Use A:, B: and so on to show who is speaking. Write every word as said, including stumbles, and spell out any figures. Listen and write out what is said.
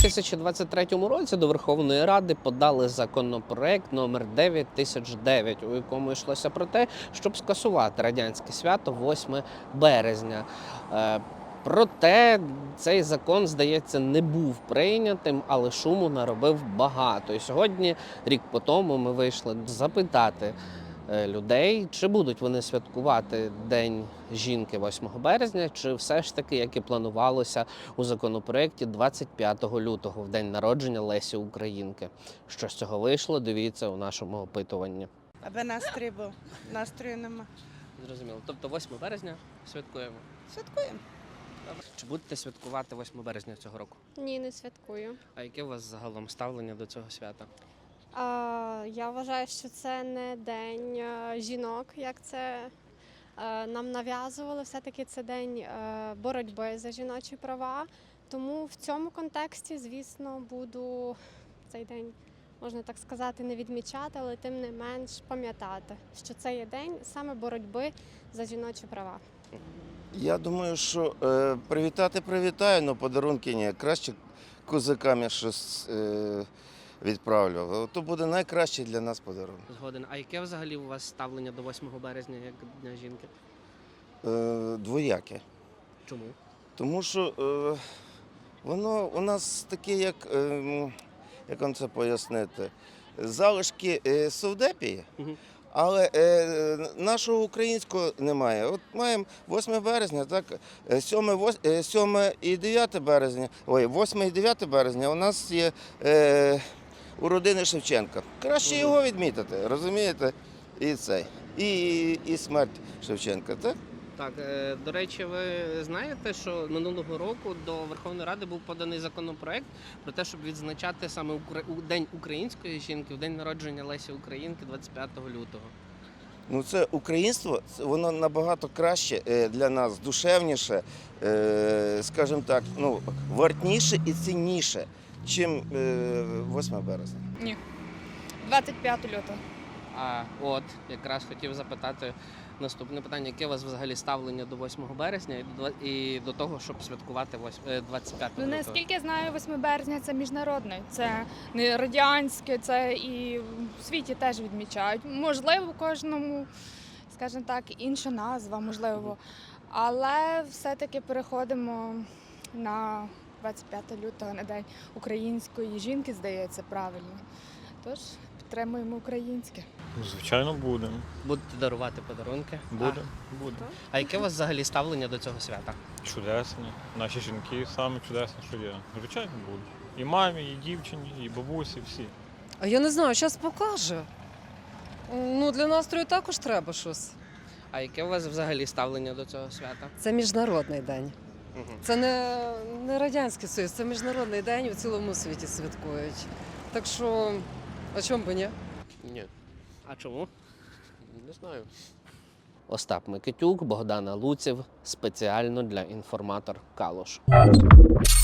A: тисячі двадцять третьому році до Верховної Ради подали законопроект номер дев'ять тисяч дев'ять, у якому йшлося про те, щоб скасувати радянське свято восьме березня. Е, Проте цей закон, здається, не був прийнятим, але шуму наробив багато. І сьогодні, рік по тому, ми вийшли запитати людей, чи будуть вони святкувати День жінки восьмого березня, чи все ж таки, як і планувалося у законопроекті, двадцять п'ятого лютого, в день народження Лесі Українки. Що з цього вийшло, дивіться у нашому опитуванні.
B: Аби настрій був. Настрою нема.
A: Зрозуміло. Тобто восьме березня святкуємо?
B: Святкуємо.
A: Добре. Чи будете святкувати восьме березня цього року?
C: Ні, не святкую.
A: А яке у вас загалом ставлення до цього свята?
C: А, я вважаю, що це не день е, жінок, як це е, нам нав'язували. Все-таки це день е, боротьби за жіночі права. Тому в цьому контексті, звісно, буду цей день, можна так сказати, не відмічати, але тим не менш пам'ятати, що це є день саме боротьби за жіночі права.
D: Я думаю, що е, привітати привітаю, але подарунки ні. Краще козакам я щось е, відправлю. То буде найкращий для нас подарунок.
A: Згоден. А яке взагалі у вас ставлення до восьмого березня, як Дня жінки?
D: Е, двояке.
A: Чому?
D: Тому що е, воно у нас таке, як, е, як вам це пояснити, залишки е, совдепії.
A: Угу.
D: Але е, нашого українського немає. От маємо восьме березня, так, сьоме і дев'яте березня, ой, восьме і дев'яте березня у нас є е, у родини Шевченка. Краще його відмітити, розумієте? І цей, і, і смерть Шевченка, так?
A: Так, е, до речі, ви знаєте, що минулого року до Верховної Ради був поданий законопроект про те, щоб відзначати саме Укра... у День української жінки, в день народження Лесі Українки, двадцять п'ятого лютого.
D: Ну, це українство, це воно набагато краще е, для нас, душевніше, е, скажімо так, ну, вартніше і цінніше, чим е, восьме березня.
E: Ні. двадцять п'ятого лютого.
A: А от якраз хотів запитати наступне питання: яке у вас взагалі ставлення до восьмого березня і до, і до того, щоб святкувати двадцять п'ятого
E: Ну,
A: лютого?
E: наскільки я знаю, восьме березня це міжнародне, це не радянське, це і в світі теж відмічають. Можливо, у кожному, скажімо так, інша назва, можливо. Але все-таки переходимо на двадцять п'ятого лютого, на День української жінки, здається, правильно. Тож підтримуємо українське.
F: Ну, звичайно, будемо.
A: Будете дарувати подарунки?
F: Будемо. Будемо.
A: А, а яке у вас взагалі ставлення до цього свята?
F: Чудесні. Наші жінки самі чудесні, що є. Звичайно, будуть. І мамі, і дівчині, і бабусі, всі.
G: А я не знаю, зараз покаже. Ну, для настрою також треба щось.
A: А яке у вас взагалі ставлення до цього свята?
G: Це міжнародний день.
A: Угу.
G: Це не, не Радянський Союз, це міжнародний день, у цілому світі святкують. Так що, а чому би ні?
A: Ні. А чому? Не знаю. Остап Микитюк, Богдана Луців. Спеціально для «Інформатор Калуш».